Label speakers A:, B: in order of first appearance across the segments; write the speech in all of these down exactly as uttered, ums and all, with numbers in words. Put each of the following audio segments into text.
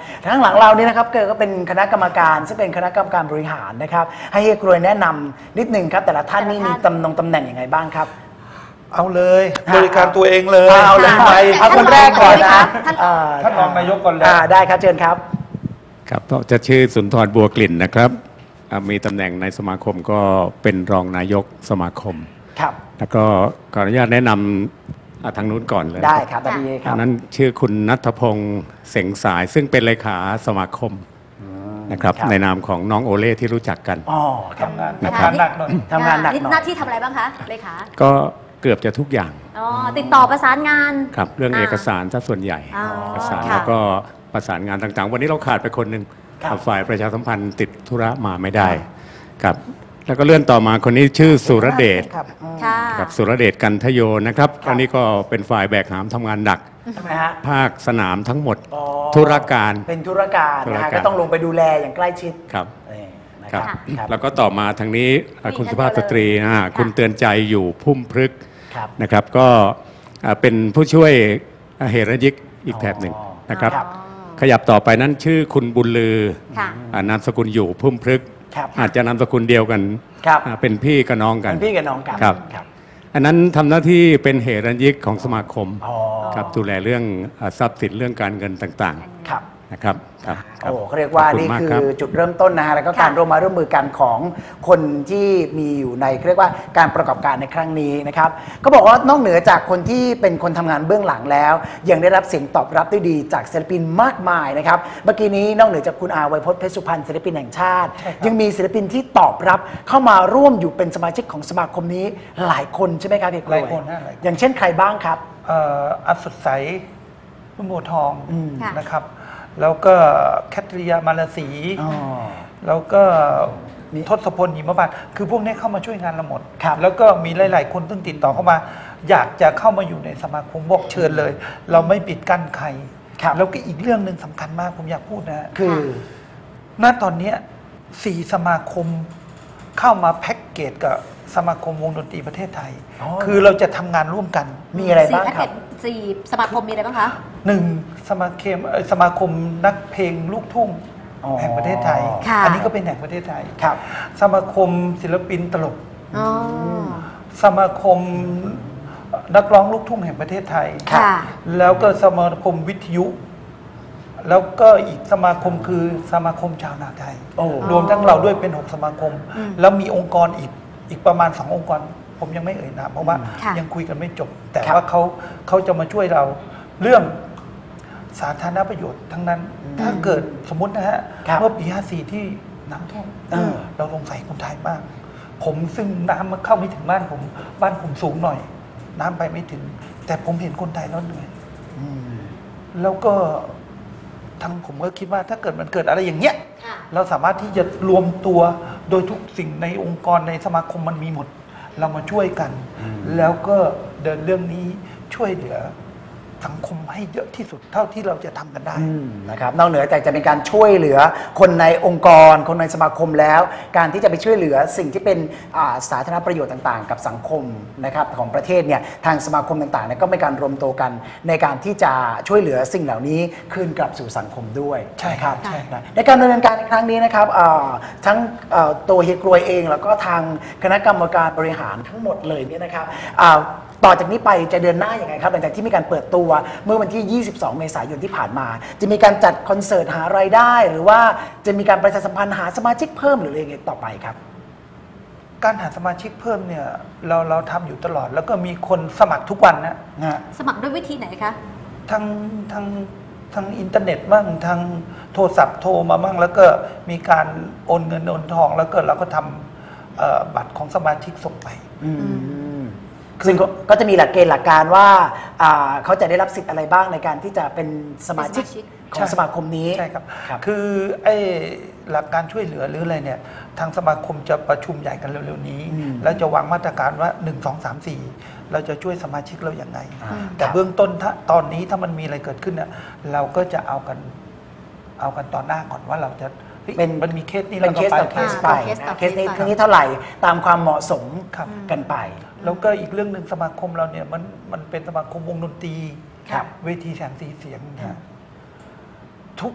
A: ข้างหลังเรานี่นะครับก็เป็นคณะกรรมการซึ่งเป็นคณะกรรมการบริหารนะครับให้เฮียกรวยแนะนำนิดนึงครับแต่ละท่านนี่มีตำแหน่งตำแหน่งยังไงบ้างครับ
B: เอาเลยบริการตัวเองเลย
A: เอาเลยไปเอาคนแรกก่อนนะ
B: ท่านรองนายกก่อนเลย
A: ได้ครับเชิญครับ
C: ครับจะชื่อสุนทรบัวกลิ่นนะครับมีตำแหน่งในสมาคมก็เป็นรองนายกสมาคม
A: ครับ
C: แล้วก็ขออนุญาตแนะนำทางนู้นก่อนเลย
A: ได้ครับดีครับ
C: นั้นชื่อคุณณัฐพงศ์เสงสายซึ่งเป็นเลขาสมาคมนะครับในนามของน้องโอเล่ที่รู้จักกัน
A: อ๋อ
B: ทำงานทำงานหนักหน่อย
A: ทำงานหนักหน่อย
D: หน้าที่ทำอะไรบ้างคะเลขา
C: ก็เกือบจะทุกอย่าง
D: อ๋อติดต่อประสานงาน
C: ครับเรื่องเอกสารซะส่วนใหญ่เอกสารแล้วก็ประสานงานต่างๆวันนี้เราขาดไปคนหนึ่งฝ่ายประชาสัมพันธ์ติดธุระมาไม่ได้ครับแล้วก็เลื่อนต่อมาคนนี้ชื่อสุรเดชครับสุรเดชกันทโยนะครับอันนี้ก็เป็นฝ่ายแบกหามทำงานหนักภาคสนามทั้งหมดธุรการ
A: เป็นธุรการนะก็ต้องลงไปดูแลอย่างใกล้ชิด
C: ครับครับแล้วก็ต่อมาทางนี้คุณสุภาพสตรีคุณเตือนใจอยู่พุ่มพฤกษ์นะครับก็เป็นผู้ช่วยเหรยิกอีกแถบหนึ่งนะครับขยับต่อไปนั้นชื่อคุณบุญลือนามสกุลอยู่พุ่มพฤกษ์อาจจะนามสกุลเดียวกันเป็นพี่กับน้องกัน
A: เป็นพี่กับน้องกัน
C: ครับอันนั้นทำหน้าที่เป็นเหรัญยิกของสมาคมครับดูแลเรื่องทรัพย์สินเรื่องการเงินต่างๆนะครับ
A: โอ้เขาเรียกว่านี่คือจุดเริ่มต้นนะฮะแล้วก็การร่วมมาร่วมมือกันของคนที่มีอยู่ในเรียกว่าการประกอบการในครั้งนี้นะครับก็บอกว่านอกเหนือจากคนที่เป็นคนทำงานเบื้องหลังแล้วยังได้รับเสียงตอบรับได้ดีจากศิลปินมากมายนะครับเมื่อกี้นี้นอกเหนือจากคุณอาไวยพจน์เพชรสุพรรณศิลปินแห่งชาติยังมีศิลปินที่ตอบรับเข้ามาร่วมอยู่เป็นสมาชิกของสมาคมนี้หลายคนใช่ไหมครับพี่กล้วยหลายคนอย่างเช่นใครบ้างครับ
B: อัศใสรุ่งโพทองนะครับแล้วก็แคทริยามาลาสีแล้วก็ทศพลหิมพานต์คือพวกนี้เข้ามาช่วยงานเราหมดแล้วก็มีหลายๆคนซึ่งติดต่อเข้ามาอยากจะเข้ามาอยู่ในสมาคมบอกเชิญเลยเราไม่ปิดกั้นใครแล้วก็อีกเรื่องหนึ่งสำคัญมากผมอยากพูดนะคือณตอนนี้สี่สมาคมเข้ามาแพ็กเกจกับสมาคมวงดนตรีประเทศไทยคือเราจะทำงานร่วมกัน
A: มีอะไรบ้างครับ
D: สี่สมาคมมีอะไรบ้างคะ
B: หนึ่งสมาคมสมาคมนักเพลงลูกทุ่งแห่งประเทศไทยอันนี้ก็เป็นแห่งประเทศไทยสมาคมศิลปินตลกสมาคมนักร้องลูกทุ่งแห่งประเทศไทยแล้วก็สมาคมวิทยุแล้วก็อีกสมาคมคือสมาคมชาวนาไทยรวมทั้งเราด้วยเป็นหกสมาคมแล้วมีองค์กรอีกอีกประมาณสององค์กรผมยังไม่เอ่ยนามเพราะว่ายังคุยกันไม่จบแต่ว่าเขาเขาจะมาช่วยเราเรื่องสาธารณประโยชน์ทั้งนั้นถ้าเกิดสมมตินะฮะเมื่อปีห้าสี่ที่น้ำท่วมเราสงสัยคนไทยมากผมซึ่งน้ำมันเข้าไม่ถึงบ้านผมบ้านผมสูงหน่อยน้ำไปไม่ถึงแต่ผมเห็นคนไทยแล้วเหนื่อยแล้วก็ทั้งผมก็คิดว่าถ้าเกิดมันเกิดอะไรอย่างเงี้ยเราสามารถที่จะรวมตัวโดยทุกสิ่งในองค์กรในสมาคมมันมีหมดเรามาช่วยกันแล้วก็เดินเรื่องนี้ช่วยเหลือสังคมให้เยอะที่สุดเท่าที่เราจะทำกันได้
A: นะครับนอกเหนือจากจะเป็นการช่วยเหลือคนในองค์กรคนในสมาคมแล้วการที่จะไปช่วยเหลือสิ่งที่เป็นสาธารณประโยชน์ต่างๆกับสังคมนะครับของประเทศเนี่ยทางสมาคมต่างๆเนี่ยก็เป็นการรวมตัวกันในการที่จะช่วยเหลือสิ่งเหล่านี้คืนกลับสู่สังคมด้วย
B: ใช่ครับ
A: ในการดำเนินการในครั้งนี้นะครับทั้งตัวเฮียกรวยเองแล้วก็ทางคณะกรรมการบริหารทั้งหมดเลยเนี่ยนะครับต่อจากนี้ไปจะเดินหน้าอย่างไรครับหลังจากที่มีการเปิดตัวเมื่อวันที่ยี่สิบสองเมษายนที่ผ่านมาจะมีการจัดคอนเสิร์ตหารายได้หรือว่าจะมีการประชาสัมพันธ์หาสมาชิกเพิ่มหรืออะไรอย่างเงี้ยต่อไปครับ
B: การหาสมาชิกเพิ่มเนี่ยเราเราทำอยู่ตลอดแล้วก็มีคนสมัครทุกวันนะ
D: สมัครด้วยวิธีไหนคะ
B: ทางทางทางอินเทอร์เน็ตบ้างทางโทรศัพท์โทรมาบ้างแล้วก็มีการโอนเงินโอนทองแล้วก็เราก็ทำบัตรของสมาชิกส่งไป
A: ซึ่งก็จะมีหลักเกณฑ์หลักการว่าเขาจะได้รับสิทธิ์อะไรบ้างในการที่จะเป็นสมาชิกของสมาคมนี้
B: ใช่ครับคือไอ้หลักการช่วยเหลือหรืออะไรเนี่ยทางสมาคมจะประชุมใหญ่กันเร็วๆนี้แล้วจะวางมาตรการว่าหนึ่ง สอง สาม สี่เราจะช่วยสมาชิกเราอย่างไรแต่เบื้องต้นถ้าตอนนี้ถ้ามันมีอะไรเกิดขึ้นเนี่ยเราก็จะเอากันเอากันตอนหน้าก่อนว่าเราจะ
A: เป็น
B: มันมีเคสนี้
A: เป็นเคสต่อเคสไปเคสนี้ทีนี้เท่าไหร่ตามความเหมาะสมกันไป
B: แล้วก็อีกเรื่องหนึ่งสมาคมเราเนี่ยมันมันเป็นสมาคมวงดนตรีเวทีแสงสีเสียงเนี่ยทุก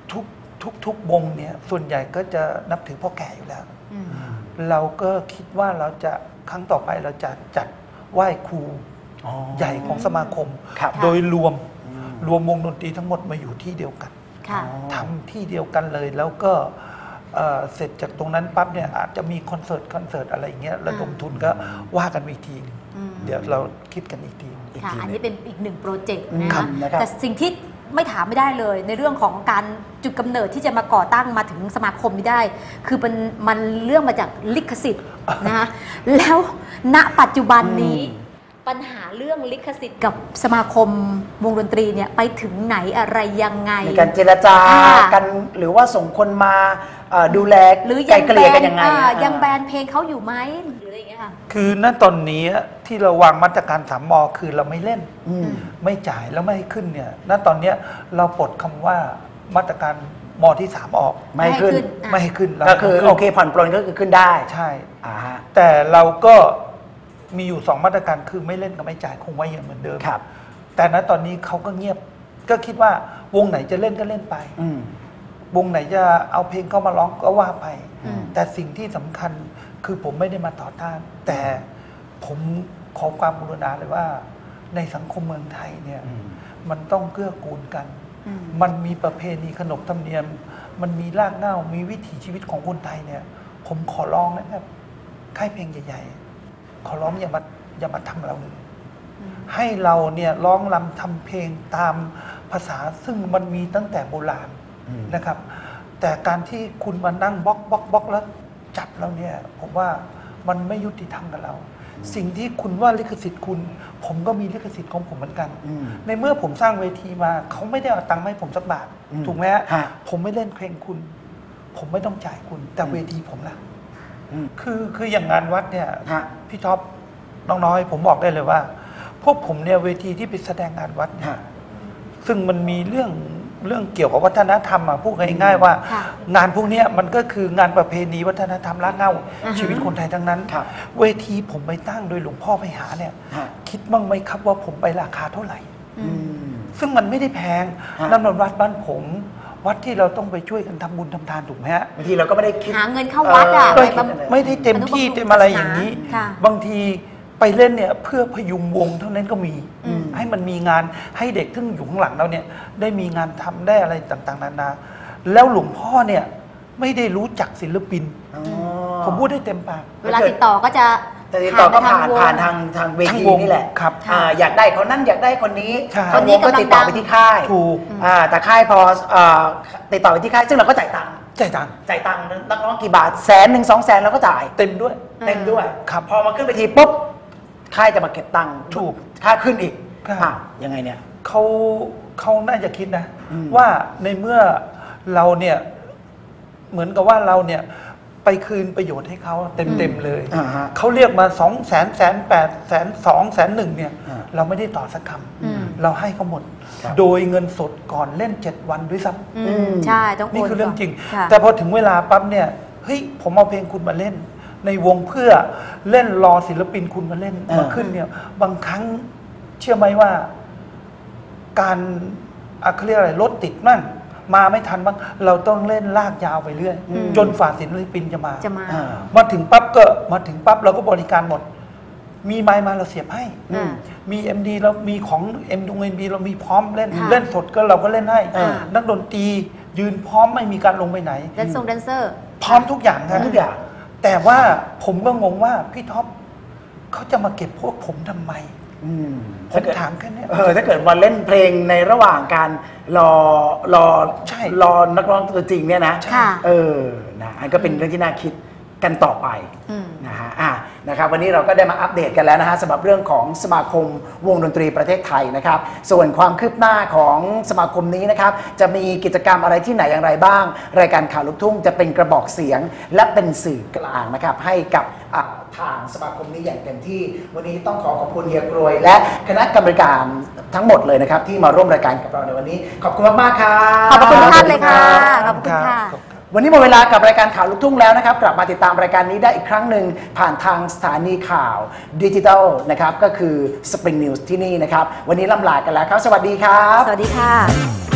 B: ทุกทุกทุกวงเนี่ยส่วนใหญ่ก็จะนับถือพ่อแก่อยู่แล้ว เราก็คิดว่าเราจะครั้งต่อไปเราจะจัดไหว้ครูใหญ่ของสมาคม โดยรวมรวมวงดนตรีทั้งหมดมาอยู่ที่เดียวกันทำที่เดียวกันเลยแล้วก็เอ่อเสร็จจากตรงนั้นปั๊บเนี่ยอาจจะมีคอนเสิร์ตคอนเสิร์ตอะไรอย่างเงี้ยระดมทุนก็ว่ากันอีกทีเดี๋ยวเราคิดกันอีกที
D: ค่ะอันนี้เป็นอีกหนึ่งโปรเจกต์
A: อืม
D: นะคะ
A: นะครับ
D: แต่สิ่งที่ไม่ถามไม่ได้เลยในเรื่องของการจุดกำเนิดที่จะมาก่อตั้งมาถึงสมาคมนี้ได้ คือมันมันเรื่องมาจากลิขสิทธิ์นะคะแล้วณปัจจุบันนี้ปัญหาเรื่องลิขสิทธิ์กับสมาคมวงดนตรีเนี่ยไปถึงไหนอะไรยังไง
A: ในการเจรจา
D: ค่ะ
A: กันหรือว่าส่งคนมาเอ่อดูแล
D: หรือ
A: ไกล
D: ยัง
A: เก
D: แบ
A: ลี่ย
D: น
A: กันยังไง
D: อ่า
A: อะ
D: ยังแบนเพลงเขาอยู่ไหมหรืออะไรอย่างเงี้ยค่ะ
B: คือณตอนนี้ที่เราวางมาตรการสามมคือเราไม่เล่น
A: อืม
B: ไม่จ่ายแล้วไม่ให้ขึ้นเนี่ยณตอนนี้เราปลดคำว่ามาตรการมที่สามออก
A: ไม่ให้ขึ้น
B: ไม่ให้ขึ้น
A: ก็คือโอเคผ่อนปลนก็คือขึ้นได้
B: ใช่
A: อ่าฮะ
B: แต่เราก็มีอยู่สองมาตรการคือไม่เล่นกับไม่จ่ายคงไว้อย่างเหมือนเดิม
A: ครับ
B: แต่ณตอนนี้เขาก็เงียบก็คิดว่าวงไหนจะเล่นก็เล่นไป
A: อืม
B: วงไหนจะเอาเพลงเข้ามาร้องก็ว่าไป
D: อืม
B: แต่สิ่งที่สำคัญคือผมไม่ได้มาต่อต้าน แต่ผมขอความกรุณาเลยว่าในสังคมเมืองไทยเนี่ย
A: อืม
B: มันต้องเกื้อกูลกัน
D: อืม
B: มันมีประเพณีขนบธรรมเนียม มันมีรากเหง้ามีวิถีชีวิตของคนไทยเนี่ย ผมขอร้องนะครับค่ายเพลงใหญ่ๆ ขอร้องอย่ามาอย่ามาทำเราเลยให้เราเนี่ยร้องรำทำเพลงตามภาษาซึ่งมันมีตั้งแต่โบราณ
A: อืม
B: นะครับ แต่การที่คุณมานั่งบล็อกบล็อกบล็อกแล้วจับเราเนี่ยผมว่ามันไม่ยุติธรรมกับเรา สิ่งที่คุณว่าลิขสิทธิ์คุณ ผมก็มีลิขสิทธิ์ของผมเหมือนกัน
A: อืม
B: ในเมื่อผมสร้างเวทีมาเขาไม่ได้เอาตังค์มาให้ผมสักบาท
A: อืม
B: ถูกไหมฮะ
A: ฮะ
B: ผมไม่เล่นเพลงคุณ ผมไม่ต้องจ่ายคุณ แต่เวทีผมล่ะ
A: อืม
B: คือคืออย่างงานวัดเนี่ย
A: ฮะ
B: พี่ท็อปน้องน้อยผมบอกได้เลยว่า พวกผมเนี่ยเวทีที่ไปแสดงงานวัดเนี่ย
A: ฮะ
B: ซึ่งมันมีเรื่องเรื่องเกี่ยวกับวัฒนธรรมอ่ะพูดง่ายๆว่า
D: ค่ะ
B: งานพวกเนี้ยมันก็คืองานประเพณีวัฒนธรรมรากเหง้า
D: อ่าฮะ
B: ชีวิตคนไทยทั้งนั้น
A: ครับ
B: เวทีผมไปตั้งโดยหลวงพ่อไปหาเนี่ย
A: ฮะ
B: คิดบ้างไหมครับว่าผมไปราคาเท่าไหร่
A: อืม
B: ซึ่งมันไม่ได้แพง
A: ฮะ
B: นั่นมันวัดบ้านผม วัดที่เราต้องไปช่วยกันทำบุญทำทานถูกไหมฮะ
A: บางทีเราก็ไม่ได้คิด
D: หาเงินเข้าวัดอ่ะ
A: เออ
D: ไปบำ
B: ไม่ได้เต็มที่เต็มอะไรอย่างนี้
D: ค่ะ
B: บางทีไปเล่นเนี่ยเพื่อพยุงวงเท่านั้นก็มี
D: อืม
B: ให้มันมีงานให้เด็กซึ่งอยู่ข้างหลังเราเนี่ยได้มีงานทำได้อะไรต่างๆนานาแล้วหลวงพ่อเนี่ยไม่ได้รู้จักศิลปิน
A: อ๋อ
B: ผมพูดได้เต็มปาก
D: เวลาติดต่อก็จะ
A: แต่ติดต่อก็ผ่าน
D: วง
A: ผ่านทางทางเว
B: ทาง
A: ที
B: วง
A: นี่แหละ
B: ครับ
A: อ่าอยากได้คนนั้นอยากได้คนนี้
B: ใช่
A: ทางวงก็ติดต่อไปที่ค่าย
B: ถูก
A: อ่าแต่ค่ายพอเอ่อติดต่อไปที่ค่ายซึ่งเราก็จ่ายตังค์
B: จ่ายตังค์
A: จ่ายตังค์นักร้องกี่บาทแสนหนึ่งสองแสนเราก็จ่าย
B: เต็มด้วย
A: เต็มด้วย
B: ครับ
A: พอมาขึ้นไปทีปุ๊บค่ายจะมาเก็บตังค์
B: ถูก
A: ค่าขึ้นอีก
B: ครับ
A: อ่ะยังไงเนี่ย
B: เขาเขาน่าจะคิดนะ
A: อืม
B: ว่าในเมื่อเราเนี่ยเหมือนกับว่าเราเนี่ยไปคืนประโยชน์ให้เขาเต็มๆเลย
A: อ่าฮะ
B: เขาเรียกมาสองแสนแสนแปดแสนสองแสนหนึ่งเนี่ย
A: อ่า
B: เราไม่ได้ต่อสักค
D: อืม
B: ำเราให้เขาหมด
A: ครับ
B: โดยเงินสดก่อนเล่นเจ็ดวันด้วยซ้
D: อืมใช่ต้อง
B: ำ
D: โอน
B: นี่คือเรื่อง
D: ก่น
B: จริง
D: ค่ะ
B: แต่พอถึงเวลาปั๊บเนี่ยเฮ้ยผมเอาเพลงคุณมาเล่น ในวงเพื่อเล่นรอศิลปินคุณมาเล่น
A: อ่าม
B: มาขึ้นเนี่ยบางครั้งเชื่อไหมว่า การอ่ะเขาเรียกอะไรรถติดมั่งมาไม่ทันบ้างเราต้องเล่นลากยาวไปเรื่อย
A: อืม
B: จนฝ่าศิลปินจะมา
D: จะมา
A: อ่า
B: มาถึงปั๊บก็มาถึงปั๊บเราก็บริการหมด มีไม้มาเราเสียบให้
D: อืม
B: มี เอ็ม ดี เรามีของ เอ็ม ดี เอ็ม ดี เรามีพร้อมเล่น
D: ค่ะ
B: เล่นสดก็เราก็เล่นให้
A: อ่า
B: นักดนตรียืนพร้อมไม่มีการลงไปไหน
D: แดนซงแดนเซอร์
B: พร้อมทุกอย่างครับ
A: ทุกอย่าง
B: แต่ว่าผมก็งงว่าพี่ท็อปเขาจะมาเก็บพวกผมทำไม
A: อืม
B: ผมถามแค่เนี้ย
A: เออถ้าเกิดมาเล่นเพลงในระหว่างการรอรอ
B: ใช่
A: รอนักร้องตัวจริงเนี่ยนะ
D: ค่ะ
A: เออนะอันก็เป็นเรื่องที่น่าคิดกันต่อไป
D: อืม
A: นะฮะอ่ะนะครับวันนี้เราก็ได้มาอัปเดตกันแล้วนะฮะสำหรับเรื่องของสมาคมวงดนตรีประเทศไทยนะครับส่วนความคืบหน้าของสมาคมนี้นะครับจะมีกิจกรรมอะไรที่ไหนอย่างไรบ้าง รายการข่าวลูกทุ่งจะเป็นกระบอกเสียง และเป็นสื่อกลางนะครับให้กับอ่ะทางสมาคมนี้อย่างเต็มที่ วันนี้ต้องขอขอบคุณเฮียกรวย และคณะกรรมการทั้งหมดเลยนะครับที่มาร่วมรายการกับเราในวันนี้ขอบคุณมากๆครับ
D: ขอบพระคุณทุกท่านเลยค่ะ ขอบคุณค่ะ
A: วันนี้หมดเวลากับรายการข่าวลูกทุ่งแล้วนะครับ กลับมาติดตามรายการนี้ได้อีกครั้งหนึ่งผ่านทางสถานีข่าวดิจิทัลนะครับก็คือ Spring News ที่นี่นะครับ วันนี้ล่ำลากันแล้วครับ สวัสดีครับ
D: สวัสดีค่ะ